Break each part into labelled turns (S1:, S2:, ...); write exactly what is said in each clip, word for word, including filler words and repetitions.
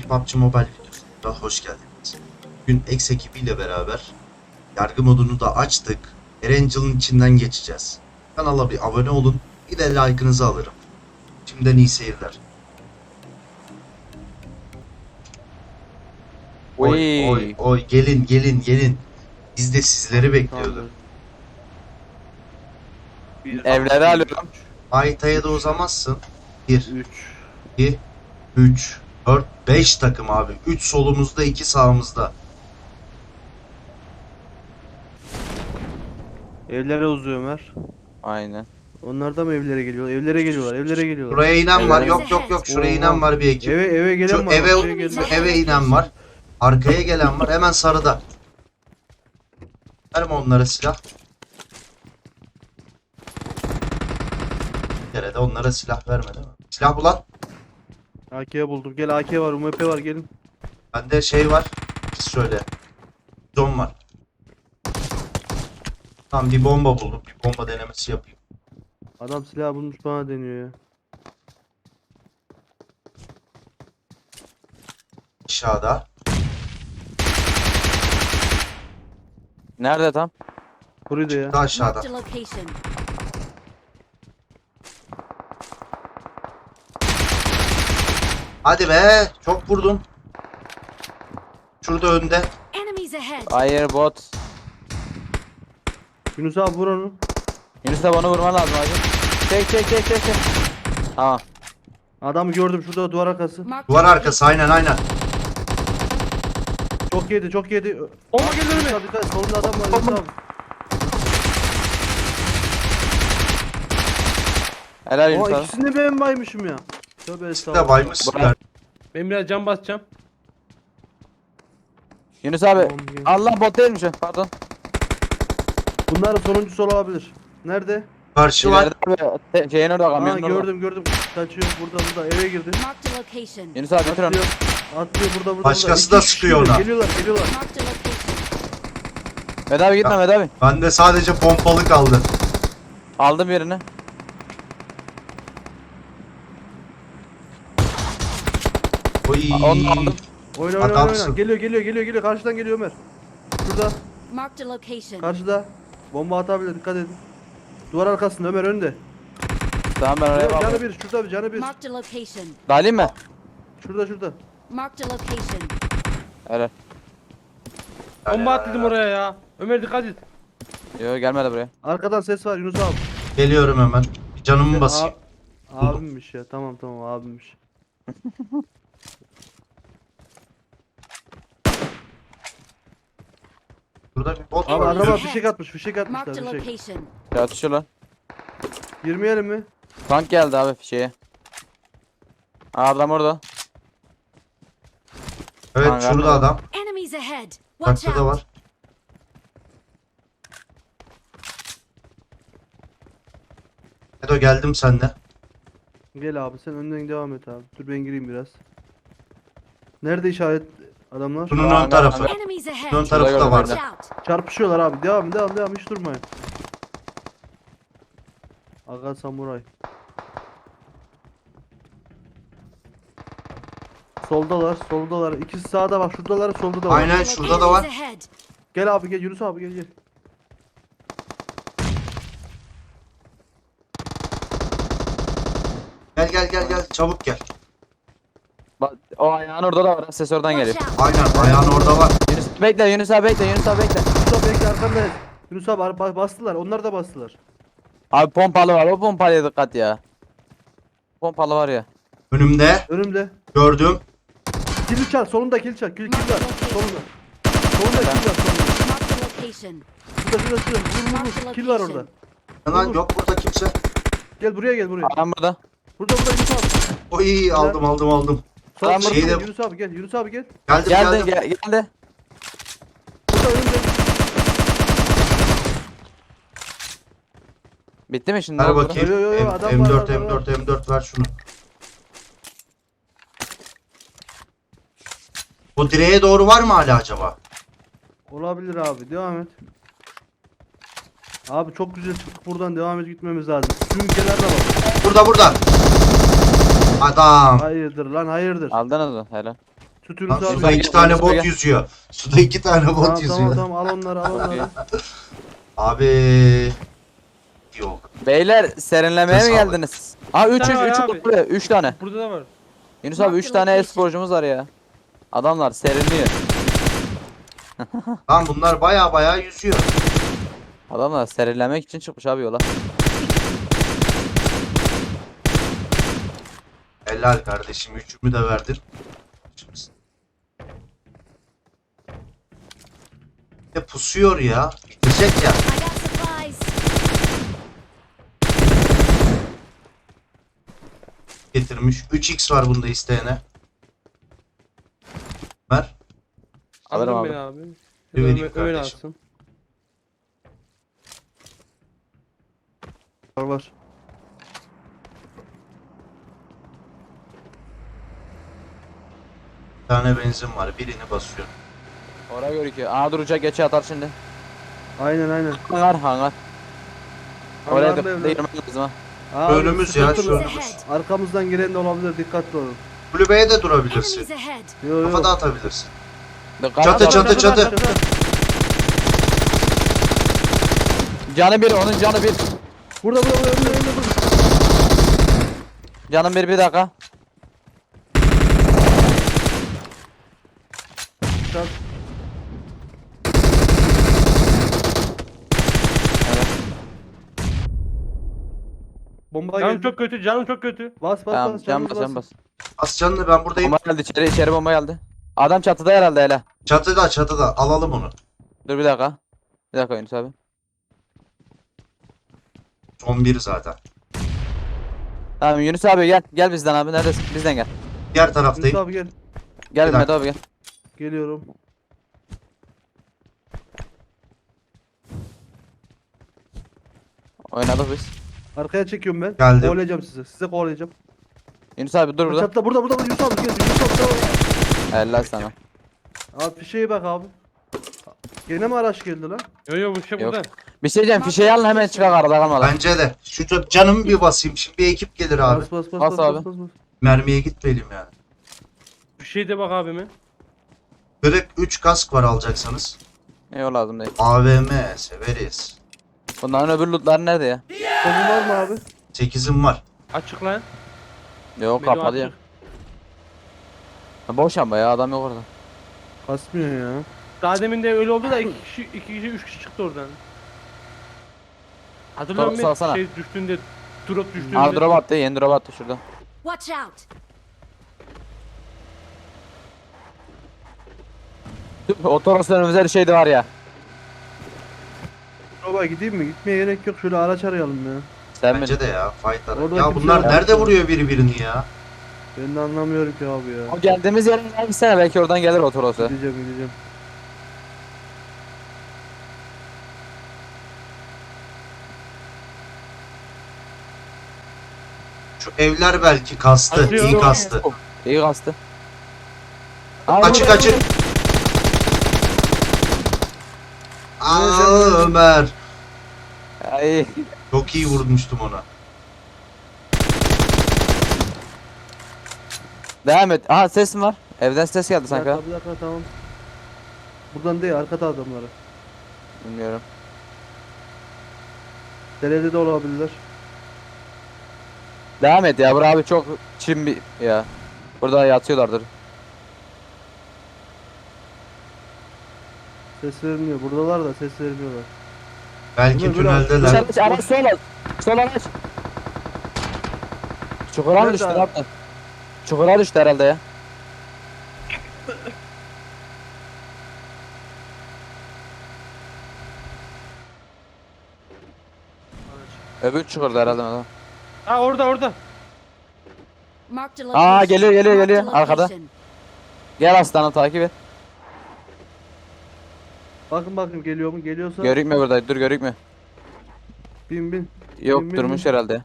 S1: P U B G Mobile videosuna hoş geldiniz. Bugün X ekibiyle beraber yargı modunu da açtık. Erangel'ın içinden geçeceğiz. Kanala bir abone olun, bir de like'ınızı alırım. Şimdiden iyi seyirler. Oy
S2: Oy.
S1: oy oy, gelin gelin gelin. Biz de sizleri bekliyorduk.
S2: Evleri alıyorum.
S1: Haritaya da uzamazsın. bir,
S3: üç.
S1: iki, üç, dört, beş takım abi. üç solumuzda, iki sağımızda.
S3: Evlere uzuyor Ömer.
S2: Aynen.
S3: Onlar da mı evlere geliyor? Evlere geliyorlar, evlere geliyorlar.
S1: Buraya inen var.
S2: Evet.
S1: Yok yok yok. Şuraya
S3: Oha.
S1: inen var bir ekip.
S3: Eve eve gelen
S1: Şu
S3: var.
S1: eve,
S3: bak, şuraya geldi.
S1: şu eve inen var. Arkaya gelen var. Hemen sarıda. Verme onlara silah. Bir kere de onlara silah verme değil mi? Silah bulan.
S3: A K buldum. Gel A K var, U M P var gelin.
S1: Bende şey var. Şöyle. Zon var. Tamam, bir bomba buldum. Bir bomba denemesi yapayım.
S3: Adam silah bulmuş bana deniyor ya.
S1: Aşağıda.
S2: Nerede tam?
S3: Burayı da ya.
S1: Daha aşağıda.
S4: Marked a location.
S1: Hadi be. Çok vurdum. Şurada önde.
S4: Enemies ahead.
S2: Hayır bot.
S3: Yunus abi vur onu.
S2: Yunus da bana vurman lazım hacı. Çek çek çek çek çek. Tamam.
S3: Adamı gördüm şurada duvar arkası.
S4: Marked
S1: Duvar
S4: a
S1: arkası, aynen aynen.
S3: Çok yedi, çok yedi. Bomba gelir mi? Dikkat dikkat. Solunda adam var Yunus abi.
S2: Helal Yunus
S3: Aa
S2: abi.
S3: ikisini de ben baymışım ya. Tövbe
S1: Bir de
S3: estağfurullah.
S1: baymışsınlar.
S5: Ben biraz can basacağım.
S2: Yunus abi.
S3: Tamam, gel.
S2: Allah bot değilmiş o. Pardon.
S3: Bunların sonuncusu olabilir. Nerede?
S1: Karşı var.
S2: İleride abi. Te- Şeyin orada
S3: Aa
S2: kamyonun orada.
S3: gördüm gördüm. Kaçıyor burada burada eve girdi.
S4: Marked a location.
S2: Yunus abi bitir onu.
S3: Atlıyor. Atlıyor burada burada.
S1: Başkası
S3: burada.
S1: da
S3: İki kişi
S1: sıkıyor
S3: geliyor,
S1: ona.
S3: Geliyorlar geliyorlar.
S4: Marked a location.
S2: Vedat abi gitme Vedat abi.
S1: Bende sadece pompalı kaldı.
S2: Aldım birini.
S1: Oy.
S2: Aa, Onu aldım.
S3: Oyna oyna oyna,
S1: Adamsın.
S3: oyna. Geliyor geliyor geliyor geliyor. Karşıdan geliyor Ömer. Şurada.
S4: Marked a location.
S3: Karşıda. Bomba atabilir dikkat edin. Duvar arkasında Ömer önde.
S2: Tamam ben oraya
S3: Canı
S2: bakıyorum.
S3: bir şurada bir canı bir.
S4: Marked a location.
S2: Dalayım mı?
S3: Şurada şurada.
S4: Marked a location.
S2: Helal.
S5: Bomba atladım oraya ya. Ömer dikkat et.
S2: Yo gelmedi buraya.
S3: Arkadan ses var Yunus abi.
S1: Geliyorum hemen. Bir canımı basayım.
S3: A- abimmiş ya. Tamam tamam abimmiş.
S1: Burada bir bot
S3: Abi
S1: var.
S3: araba
S4: Yürü.
S3: fişek atmış fişek atmışlar
S4: Marked a
S3: fişek.
S4: location.
S2: Ya atışıyor lan.
S3: Girmeyelim mi?
S2: Tank geldi abi şeye. Aa, adam orada.
S1: Evet,
S2: Hangarda
S1: şurada
S2: var.
S1: adam.
S4: Enemies ahead. Watch
S1: Takta da
S4: out.
S1: var. Edo, geldim sende.
S3: Gel abi sen önden devam et abi. Dur ben gireyim biraz. Nerede işaret adamlar?
S1: Bunun
S2: Hangar,
S1: ön tarafı.
S2: hangar.
S4: Enemies
S1: Ön
S4: ahead.
S1: tarafı da
S2: gördüm
S1: vardı.
S4: Watch out.
S3: Çarpışıyorlar abi. Devam devam devam hiç durmayın. Aga samuray. Soldalar, soldalar. İkisi sağda bak, şuradalar, solda da var.
S1: Aynen, şurada da var.
S4: Enemies ahead.
S3: Gel abi gel Yunus abi gel gel.
S1: Gel gel gel gel, çabuk gel.
S2: Bak o ayağın orada da var. Ses oradan geliyor.
S4: Watch out.
S1: Aynen, ayağın orada var.
S2: Yunus bekle Yunus abi bekle Yunus abi bekle.
S3: Yunus abi bekle arkanda. Yunus abi ba- bastılar. Onlar da bastılar.
S2: Abi pompalı var o pompalıya dikkat ya. Pompalı var ya.
S1: Önümde
S3: Önümde.
S1: gördüm.
S3: Kill çal, solunda kill çal. Kill kill var. Solunda. Solunda kill var solunda.
S4: Marked a location.
S3: Şurada şurada şurada. Vur vur vur. Kill var orada.
S1: Lan yok burada kimse.
S3: Gel buraya gel buraya.
S2: Adam burada.
S3: Burada burada Yunus abi.
S1: Oy, aldım aldım aldım.
S3: Sol
S2: Adam
S3: şeyde
S1: burada.
S3: Yunus abi gel. Yunus abi gel.
S1: Geldim
S2: Geldi
S1: geldim.
S2: gel, geldi.
S3: Burada önümde.
S2: Bitti mi şimdi?
S1: Ver
S2: Oldu.
S1: bakayım.
S3: Yo, yo, yo,
S1: M-
S3: adam var,
S1: M dört
S3: adam
S1: M
S3: var.
S1: dört M dört ver şunu. Bu direğe doğru var mı hala acaba?
S3: Olabilir abi. Devam et. Abi çok güzel çıktık buradan devam et gitmemiz lazım. Sümkeler de var.
S1: Burada burada. Adam.
S3: Hayırdır lan hayırdır.
S2: Aldınız mı? Helal.
S3: Sütünü
S1: Lan
S3: sağ.
S1: suda iki tane
S2: Gel,
S1: bot
S2: gel.
S1: yüzüyor. Suda iki tane bot
S3: Tamam
S1: yüzüyor.
S3: tamam tamam al onları al onları.
S1: Abi yok.
S2: Beyler serinlemeye mi
S1: Sağ ol.
S2: geldiniz? Ha üç
S5: tane
S2: üç
S5: var
S2: üç
S5: abi.
S2: buraya üç tane.
S5: Burada da var.
S2: Yunus abi üç tane e-sporcumuz var ya. Adamlar serinliyor.
S1: Lan bunlar baya baya yüzüyor.
S2: Adamlar serinlemek için çıkmış abi yola.
S1: Helal kardeşim, üçümü de verdin. Şimdi... Ya pusuyor ya. Bitecek ya.
S4: I got supplies.
S1: Getirmiş. üç x var bunda isteyene. Ver.
S2: Alırım
S5: Aldın
S2: abi.
S5: beni abi.
S1: Bir vereyim
S5: Ömer, Ömer
S1: kardeşim.
S5: alsın.
S3: Var var.
S1: Bir tane benzin var. Birini basıyorum.
S2: Oraya görüküyor. Aa duracak geçe atar şimdi.
S3: Aynen aynen.
S2: Hangar hangar. Oraya
S3: Hangarlı
S2: da
S3: evler.
S2: değirmen lazım ha.
S3: Abi,
S1: Önümüz ya,
S3: sıkıntılı.
S1: şu
S4: Enemies
S1: önümüz.
S4: ahead.
S3: Arkamızdan giren de olabilir, dikkatli olun.
S1: Kulübeye de durabilirsin.
S4: Enemies ahead.
S3: Yo yo.
S1: Kafa da atabilirsin.
S2: Dikkat
S1: Çatı,
S2: et.
S1: çatı, çatı.
S3: çatı.
S2: Canı bir onun canı bir.
S3: Burada burada burada önünde önünde burada.
S2: Canım bir bir dakika.
S3: Çat. Bomba
S5: Canım
S3: geldi.
S5: çok kötü, canım çok kötü.
S3: Bas bas
S2: Tamam
S3: bas.
S2: can
S3: canımız
S2: bas can
S3: bas.
S2: bas.
S1: Az canlı, ben buradayım.
S2: Bomba geldi içeri içeri bomba geldi. Adam çatıda herhalde hele.
S1: Çatıda, çatıda. Alalım onu.
S2: Dur bir dakika. Bir dakika Yunus abi.
S1: Son bir zaten.
S2: Tamam Yunus abi gel. Gel bizden abi neredesin? Bizden gel.
S1: Diğer
S3: Yunus
S1: taraftayım.
S3: abi gel.
S2: Gel
S1: Bir
S2: Mehmet
S1: dakika.
S2: abi gel.
S3: Geliyorum.
S2: Oynadık biz.
S3: Arkaya çekiyorum ben.
S1: Geldim.
S3: Kovalayacağım sizi. Size kovalayacağım.
S2: Yunus abi dur burada.
S3: Çatla burada burada Yunus abi gel. Yunus abi tamam.
S2: Helal sana.
S3: Abi fişeğe bak abi. Gene mi araç geldi lan?
S5: Yo yo bu şey
S2: Yok.
S5: burada.
S2: Bir şey diyeceğim fişeği alın hemen çıkar arada kalmadan.
S1: Bence de. Şu ca- canımı bir basayım. Şimdi bir ekip gelir abi.
S3: Bas bas bas
S2: Bas
S3: bas
S2: abi.
S3: bas bas. bas.
S1: Mermiye gitmeyelim yani.
S5: Bir şey de bak abime.
S1: Kırık üç kask var alacaksanız.
S2: Yok lazım değil.
S1: A V M severiz.
S2: Bunların öbür lootları nerede ya?
S3: Kolun var mı abi?
S1: sekizim var.
S5: Açık lan.
S2: Yok
S5: Benim
S2: kapalı ya.
S5: açık.
S2: Ha, boş ama ya adam yok orada.
S3: Kasmıyor ya.
S5: Daha demin de öyle oldu da iki kişi, iki kişi, üç kişi çıktı oradan. Hatırlıyor
S2: Drop
S5: musun?
S2: salsana.
S5: Şey düştüğünde, drop düştüğünde.
S2: Aa drop attı yeni drop attı şurada.
S4: Watch out.
S2: Otoros önümüzde bir şey de var ya.
S3: Baba gideyim mi? Gitmeye gerek yok. Şöyle araç arayalım ya.
S2: Sen
S1: Bence
S2: mi?
S1: de ya. Fightlar.
S3: Orada
S1: Ya
S3: kimse
S1: bunlar
S3: yok.
S1: nerede vuruyor biri birini ya?
S3: Ben de anlamıyorum ki abi ya.
S2: O geldiğimiz yere gitsene belki oradan gelir Otoros'u.
S3: Gideceğim gideceğim.
S1: Şu evler belki kastı.
S5: Atıyor.
S1: iyi kastı.
S2: İyi kastı.
S1: Açık açık. Aa Ömer.
S2: Ay.
S1: Çok iyi vurmuştum ona.
S2: Devam et. Aha ses mi var? Evden ses geldi
S3: Bir
S2: sanki. ha.
S3: dakika bir dakika tamam. Buradan değil arkada adamları.
S2: Bilmiyorum.
S3: Derede de olabilirler.
S2: Devam et ya. Bura abi çok çim bir ya. Burada yatıyorlardır.
S3: Ses vermiyor. Buradalar da ses vermiyorlar.
S1: Belki
S3: Ömer, biraz-
S1: tüneldeler.
S2: Dışarı araç sol al. Sol araç. Çukura mı
S3: Nerede
S2: düştü
S3: abi?
S2: ne yaptın? Çukura düştü herhalde ya. Öbür çukurda herhalde adam.
S5: Ha orada orada.
S4: Marked a
S2: Aa,
S4: location.
S2: geliyor, geliyor,
S4: Marked a
S2: geliyor. Arkada.
S4: location.
S2: Gel aslanım takip et.
S3: Bakın bakın geliyor mu? Geliyorsa
S2: Görükmüyor burada. Dur görükmüyor.
S3: bin bin.
S2: Yok
S3: Bin, bin,
S2: durmuş
S3: bin.
S2: herhalde.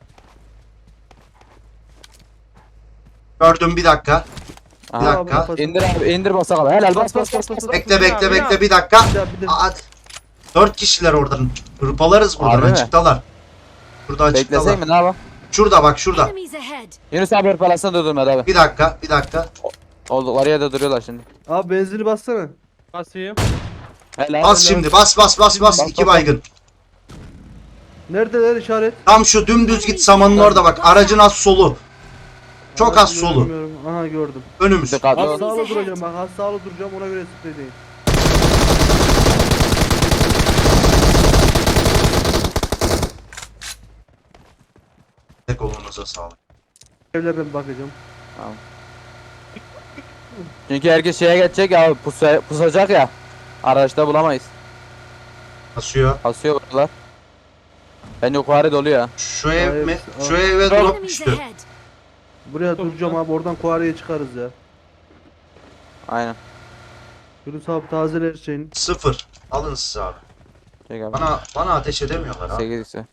S1: Gördüm bir dakika. Bir
S2: Aha.
S1: dakika.
S3: Bas,
S2: İndir abi indir basalım. Helal bas bas bas bas.
S1: Bekle bekle
S5: Ya,
S1: bekle
S5: ya.
S1: bir dakika.
S3: Bir daha, bir daha.
S1: Aa, dört kişiler oradan. Hırpalarız buradan.
S2: Harbi mi?
S1: Açıktalar. Şurada açıktalar.
S2: Beklesek mi ne yapalım?
S1: Şurada bak şurada.
S4: Enemies ahead.
S2: Yunus abi hırpalasana durdurma abi.
S1: Bir dakika bir dakika.
S2: Oldukları yerde duruyorlar şimdi.
S3: Abi benzini bassana.
S5: Basayım.
S2: Helal.
S1: Bas şimdi bas bas bas bas. İki baygın.
S3: Neredeler işaret?
S1: Tam şu dümdüz git samanın orada bak. Aracın az solu. Çok az
S3: Abi
S1: solu.
S3: görmüyorum. Aha gördüm.
S1: Önümüz.
S2: Dikkatli
S3: Az
S2: ol.
S3: sağlı duracağım bak. Az sağlı duracağım ona göre sprey değil.
S1: Tek kolunuza sağlık.
S3: Evlerden bir bakacağım.
S2: Çünkü herkes şeye geçecek ya pusa, pusacak ya. Araçta bulamayız.
S1: Basıyor.
S2: Asıyor buralar. Ben yukarı dolu ya.
S1: Şu ev
S3: Hayır,
S1: mi?
S3: aa.
S1: Şu eve drop
S4: Enemies
S1: düştü.
S4: ahead.
S3: Buraya
S5: Çok
S3: duracağım
S5: güzel.
S3: abi oradan kuareye çıkarız ya.
S2: Aynen.
S3: Yunus abi tazele her şeyin.
S1: Sıfır. Alın siz abi.
S2: Çek abi.
S1: Bana bana ateş edemiyorlar ha.
S2: sekiz ise.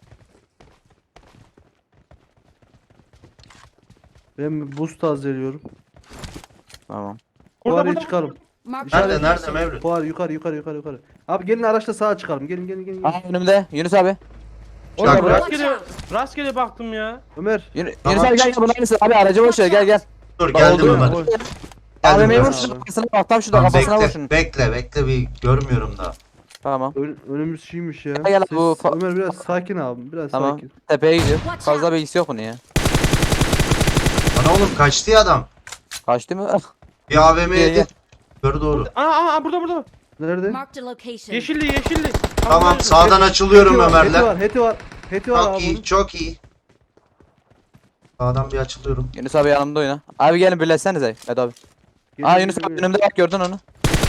S3: Ben buz tazeliyorum.
S2: Tamam.
S5: Burada
S3: Kuareye
S5: burada.
S3: çıkalım.
S4: Marked
S1: Nerede
S4: a
S1: nerede
S4: location.
S1: Mevlüt?
S3: Kuar yukarı yukarı yukarı yukarı. Abi gelin araçla sağa çıkalım. Gelin gelin gelin. gelin.
S2: Aa önümde. Yunus abi.
S5: Oğlum
S1: dakika.
S5: rastgele, rastgele baktım ya.
S3: Ömer.
S2: Yunus,
S1: Tamam.
S2: Yunus abi gel gel bunlar mısın? Abi aracı boş ver gel gel.
S1: Dur
S2: Bak,
S1: geldim
S2: oldu
S1: Ömer.
S2: ya.
S3: Oy.
S1: Geldim
S2: A V M'yi
S1: Ömer.
S2: vur şuna kafasına bak tam şurada
S1: Tamam,
S2: kafasına vur
S1: bekle,
S2: şunu.
S1: bekle bekle bir görmüyorum da.
S2: Tamam.
S3: Ön- önümüz şeymiş ya.
S2: Gel, gel,
S3: Ses-
S2: bu fa-
S3: Ömer biraz sakin abi. Biraz
S2: Tamam.
S3: sakin.
S2: Tepeye gidiyor.
S4: Watch
S2: Fazla
S4: out.
S2: bilgisi yok bunun ya.
S1: Ana oğlum kaçtı ya adam.
S2: Kaçtı mı?
S1: Bir A V
S2: Gel,
S1: M'ye
S2: gel.
S1: Yukarı doğru.
S5: Aa, aa, aa burada burada.
S3: Nerede?
S4: Marked a location.
S5: Yeşilli yeşilli.
S1: Tamam
S5: Tam
S1: sağdan açılıyorum
S3: Heti var, heti
S1: Ömer'le.
S3: var, heti var. Heti var
S1: Çok
S3: abi.
S1: iyi
S3: bunun.
S1: çok iyi. Sağdan bir açılıyorum.
S2: Yunus abi yanımda oyna. Abi gelin birleşsenize. Hadi abi.
S3: Geliyor,
S2: Aa Yunus
S3: geliyor,
S2: abi
S3: geliyor.
S2: önümde bak gördün onu.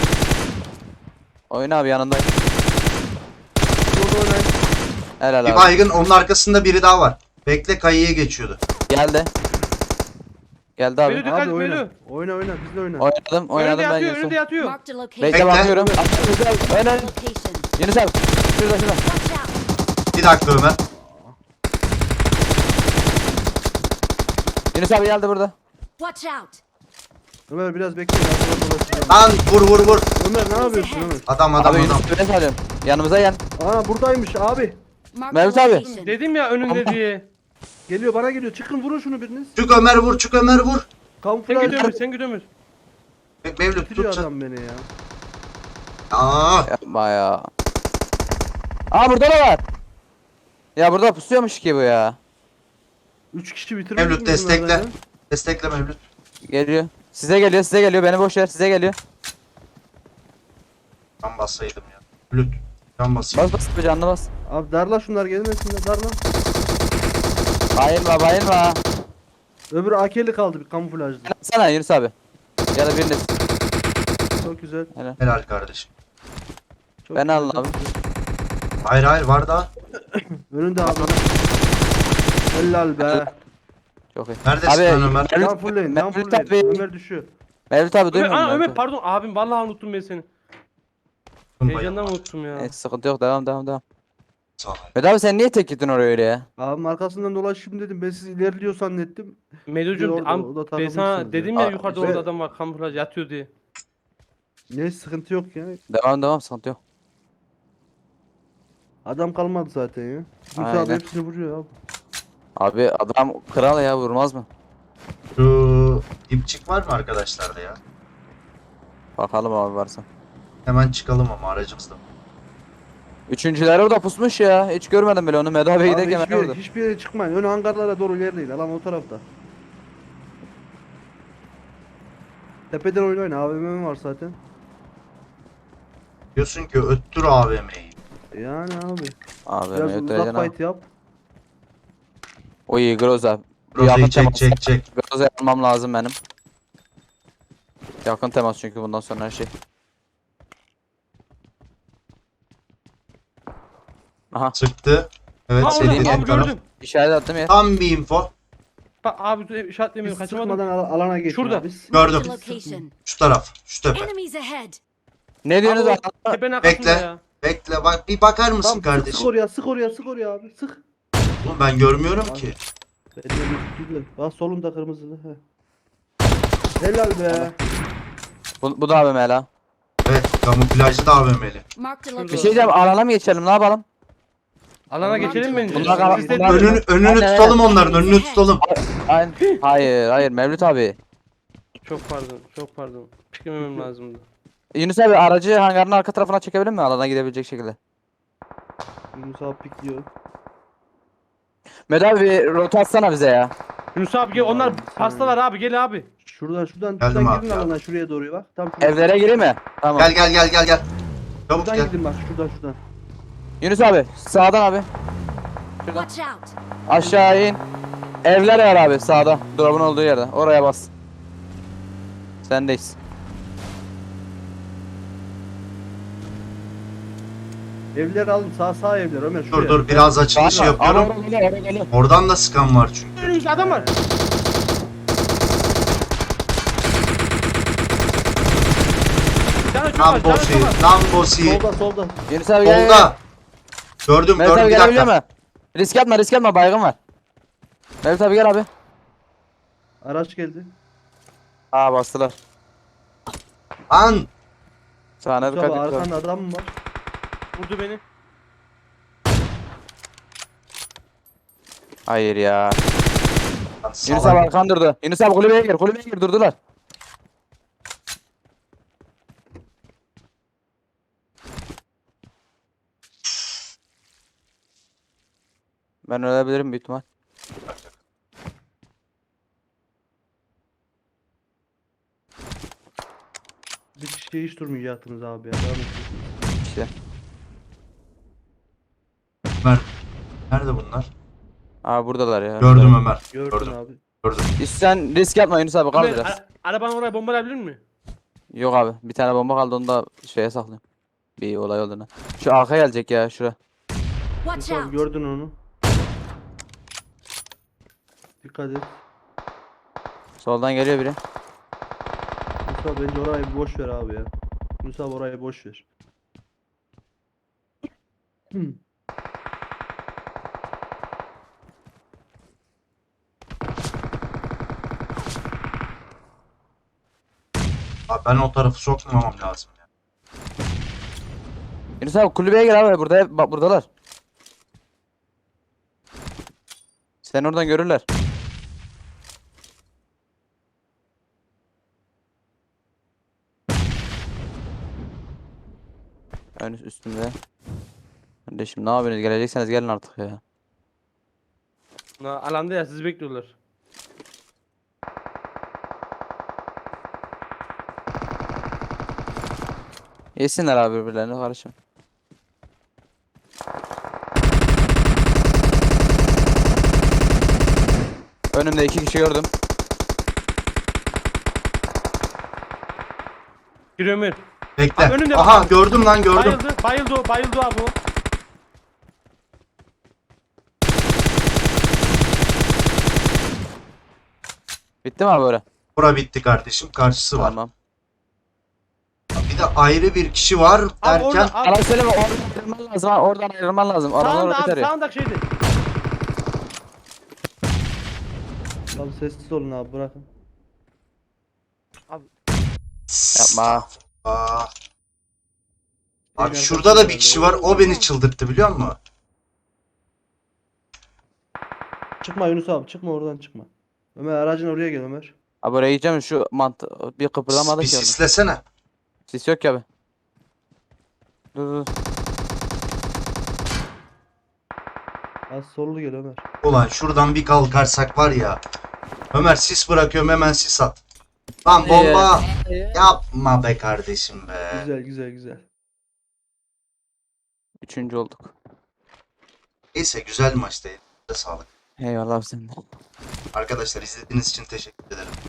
S2: Oyna abi yanındayım.
S3: Orada oynayın.
S2: Helal
S1: Bir
S2: abi.
S1: baygın onun arkasında biri daha var. Bekle kayıya geçiyordu.
S2: Geldi. Geldi abi.
S5: Beni dikkat
S3: Abi
S5: et
S3: oyna.
S5: Melo.
S3: Oyna oyna bizle oyna.
S2: Oynadım oynadım
S5: Önünde
S2: ben
S5: yatıyor önünde
S2: Yunus'um.
S5: yatıyor.
S4: Marked a location.
S2: Bekle
S1: Bekle.
S2: bakıyorum. Yunus abi oyna.
S4: Location.
S2: Yunus abi. Şurada şurada.
S4: Watch out.
S1: Bir dakika Ömer.
S2: Yunus abi geldi burada.
S4: Watch out.
S3: Ömer biraz bekle. arkadan dolaşacağım.
S1: Lan vur vur vur.
S3: Ömer ne yapıyorsun Ömer?
S1: Adam adam
S2: Abi
S1: adam.
S2: Yunus abi ben salıyorum. Yanımıza gel.
S3: Aa buradaymış abi.
S4: Marked
S2: Mevlüt
S4: a
S2: abi.
S4: location.
S5: Dedim ya önünde
S2: Tamam.
S5: diye.
S3: Geliyor bana geliyor. Çıkın vurun şunu biriniz.
S1: Çık Ömer vur çık Ömer vur.
S5: Sen
S3: Kamuflaj
S5: gidiyorsun sen gidiyorsun.
S1: Bek- Mevlüt
S3: bitiriyor
S1: tut sen.
S3: adam beni ya.
S1: Aa,
S2: Yapma ya. Aa burada da var. Ya burada pusuyormuş ki bu ya.
S3: Üç kişi bitirmedik
S1: Mevlüt
S3: mi
S1: destekle.
S3: bunlardan ya?
S1: Destekle Mevlüt.
S2: Geliyor. Size geliyor size geliyor. Beni boş ver size geliyor.
S1: Can bassaydım ya. Mevlüt. Can basayım.
S2: Bas bas bir canlı bas.
S3: Abi darla şunlar gelmesinler darla.
S2: Bayılma bayılma.
S3: Öbürü A K'li kaldı bir kamuflajlı.
S2: Sana Yunus abi. Ya da biriniz.
S3: Çok güzel.
S1: Helal kardeşim.
S3: Çok
S2: Ben
S3: güzel,
S2: alın
S3: çok
S2: abi.
S3: güzel.
S1: Hayır hayır var daha.
S3: Önünde abi. Helal be.
S2: Çok iyi.
S1: Neredesin lan Ömer?
S2: Mevlüt-
S3: Can fullleyin, can
S2: Mevlüt
S3: fullleyin.
S2: abi.
S3: Ömer düşüyor.
S2: Mevlüt abi
S5: Ömer,
S2: duymuyor
S5: aa,
S2: musun?
S5: Ömer
S2: Mevlüt?
S5: pardon abim vallahi unuttum ben seni. Heyecandan unuttum ya.
S2: Neyse sıkıntı yok devam devam devam.
S1: Sağ ol.
S2: Mehmet abi sen niye tek gittin oraya öyle ya?
S3: Abim arkasından dolaşayım dedim. Ben siz ilerliyor zannettim.
S5: Melo'cum
S3: orada,
S5: am-
S3: o da
S5: ben
S3: takılmışsınız
S5: sana
S3: ya.
S5: dedim ya
S2: Aa,
S5: yukarıda
S3: ve-
S5: orada adam var kamuflaj yatıyor diye.
S3: Ne sıkıntı yok ya.
S2: Devam devam sıkıntı yok.
S3: Adam kalmadı zaten ya. Yunus
S2: Aynen.
S3: abi hepsini vuruyor abi.
S2: Abi adam kral ya vurmaz mı?
S1: Şu dipçik var mı arkadaşlarda ya?
S2: Bakalım abi varsa.
S1: Hemen çıkalım ama aracımızda.
S2: Üçüncüler orada pusmuş ya. Hiç görmedim bile onu. Mehmet abi
S3: Abi
S2: giderken ben
S3: hiçbir,
S2: orada.
S3: hiçbir yere çıkmayın. Ön hangarlara doğru ilerleyin. Alan o tarafta. Tepeden oynayın. A V M var zaten.
S1: Diyorsun ki öttür A V M'yi.
S3: Yani abi.
S2: Abi
S3: Biraz
S2: Mehmet
S3: uzak
S2: Öğretmen abi.
S3: fight yap.
S2: O iyi Groza. Bir
S1: Rozayı
S2: yakın
S1: çek
S2: temas.
S1: çek çek.
S2: Groza almam lazım benim. Yakın temas çünkü bundan sonra her şey. Aha
S1: Sıktı. Evet
S5: Aa
S1: senin
S5: orada
S1: dediğin
S5: abi
S1: taraf.
S5: gördüm.
S2: işaret attım ya.
S1: Tam bir info.
S5: Bak abi dur,
S3: Biz
S5: işaretlemiyorum kaçamadım.
S3: sıkmadan al- alana geçin
S5: Şurada.
S3: abi. Biz-
S1: Gördüm.
S4: Marked a location.
S1: Şu taraf. Şu tepe.
S4: Enemies ahead.
S2: Ne diyorsunuz
S5: Abi,
S2: abi?
S5: Tepenin arkasında
S1: Bekle.
S5: ya.
S1: Bekle bak bir bakar mısın
S3: Tamam, sık, sık
S1: kardeşim?
S3: oraya, sık oraya, sık oraya abi. Sık.
S1: Oğlum ben görmüyorum ki.
S3: Ben de bir- bir- Bak solunda kırmızılı. He. Helal be.
S2: Bu, bu da abi Mela.
S1: Evet kamuflajlı da A V M'li.
S4: Marked a
S2: Bir
S4: location.
S2: şey diyeceğim alana mı geçelim ne yapalım?
S5: Alana geçelim bence.
S2: Bunlar-
S5: Siz de-
S2: bunlar-
S1: Önünü, önünü
S2: Aynen,
S1: tutalım onların önünü tutalım.
S2: Hayır hayır hayır Mevlüt abi.
S5: Çok pardon. Çok pardon. Piklememem lazımdı.
S2: Yunus abi aracı hangarın arka tarafına çekebilir mi? Alana gidebilecek şekilde.
S3: Yunus abi pikliyor.
S2: Mehmet abi bir rota atsana bize ya.
S5: Yunus abi gel, onlar
S3: Abi, sen-
S5: pastalar abi, gel abi.
S3: Şuradan şuradan
S1: Geldim
S3: şuradan
S1: abi,
S3: girin
S1: geldim.
S3: alana şuraya doğru bak. Tam şuraya.
S2: Evlere gireyim mi? Tamam.
S1: Gel gel gel gel gel. Çabuk
S3: Şuradan
S1: gel.
S3: gidin bak şuradan şuradan.
S2: Yunus abi sağdan abi. Şuradan.
S4: Watch out!
S2: Aşağı in. Evler var abi sağda. Drop'un olduğu yerde. Oraya bas. Sendeyiz.
S3: Evler alın sağ sağ evler Ömer şuraya.
S1: Dur dur biraz açılışı
S2: Sağda.
S1: yapıyorum.
S2: Oraya geliyor, oraya geliyor.
S1: Oradan da sıkan var çünkü.
S5: Önümüzde adam var. Bir tane çok var, bir tane
S1: Lambosi,
S5: çok var.
S1: Lambosi.
S3: Solda solda.
S2: Yunus abi gel. gel.
S1: Solda. Gördüm
S2: Mehmet
S1: gördüm
S2: abi
S1: bir
S2: gelebiliyor
S1: dakika.
S2: mu? Risk atma risk atma baygın var. Mehmet abi gel abi.
S3: Araç geldi.
S2: Aa bastılar.
S1: Lan.
S2: Sağına
S3: Yunus
S2: dikkat
S3: abi
S2: et.
S3: arkanda adam mı var?
S5: Vurdu beni.
S2: Hayır ya.
S1: Lan
S2: Yunus
S1: salak.
S2: abi arkan durdu. Yunus abi kulübeye gir kulübeye gir durdular. Ben ölebilirim büyük ihtimal.
S3: Bir kişiye hiç durmayacaktınız abi ya. Devam edin.
S2: İşte.
S1: Ömer. Nerede bunlar?
S2: Aa buradalar ya.
S1: Gördüm Ömer.
S3: Gördün
S1: Gördüm.
S3: abi.
S1: Gördüm.
S2: Sen risk atma Yunus abi kal
S5: Ömer,
S2: biraz.
S5: a- arabanı oraya bombalayabilir mi?
S2: Yok abi bir tane bomba kaldı onu da şeye saklayayım. Bir olay olduğuna. Şu arka gelecek ya şura.
S4: Watch
S3: Yunus abi
S4: out!
S3: gördün onu. Dikkat et.
S2: Soldan geliyor biri.
S3: Yunus abi bence orayı bir boş ver abi ya. Yunus abi orayı boş ver. Hmm.
S1: Abi ben o tarafı sokmamam lazım ya.
S2: Yunus abi kulübeye gel abi burada bak buradalar. Sen oradan görürler. Ön üstümde. Kardeşim ne yapıyorsunuz? Gelecekseniz gelin artık ya.
S5: Na, alanda ya, sizi bekliyorlar.
S2: Yesinler abi birbirlerine karışım. Önümde iki kişi gördüm.
S5: Gir Ömer.
S1: Bekle.
S5: Abi önünde
S1: Aha
S5: bak.
S1: gördüm lan gördüm.
S5: Bayıldı, bayıldı o, bayıldı abi o.
S2: Bitti mi abi böyle?
S1: Bura bitti kardeşim. Karşısı var.
S2: Tamam.
S1: Bir de ayrı bir kişi var
S5: Abi
S1: derken
S5: orada, abi,
S2: Bana söyleme oradan ayrılman lazım ha. Oradan ayrılman lazım. Adamlar
S5: sağında
S2: orada
S5: abi,
S2: tarıyor.
S5: sağındaki şeydi.
S3: Abi sessiz olun abi bırakın.
S2: Yapma.
S1: Aa. Abi
S3: Şeyin
S1: şurada da bir
S3: arkasında
S1: kişi var. O beni çıldırttı biliyor musun?
S3: Çıkma Yunus abi çıkma oradan çıkma. Ömer aracın oraya gel Ömer.
S2: Abi oraya gideceğim şu mantı bir kıpırdamadı
S1: Bir
S2: ki orada.
S1: sislesene.
S2: Sis yok ki abi. Dur dur.
S3: Az sollu gel Ömer.
S1: Ulan şuradan bir kalkarsak var ya. Ömer sis bırakıyorum hemen sis at. Lan bomba. Yapma be kardeşim be.
S3: Güzel güzel güzel.
S2: Üçüncü olduk.
S1: Neyse güzel maçtı. Elinize sağlık.
S2: Eyvallah abi sen de.
S1: Arkadaşlar izlediğiniz için teşekkür ederim.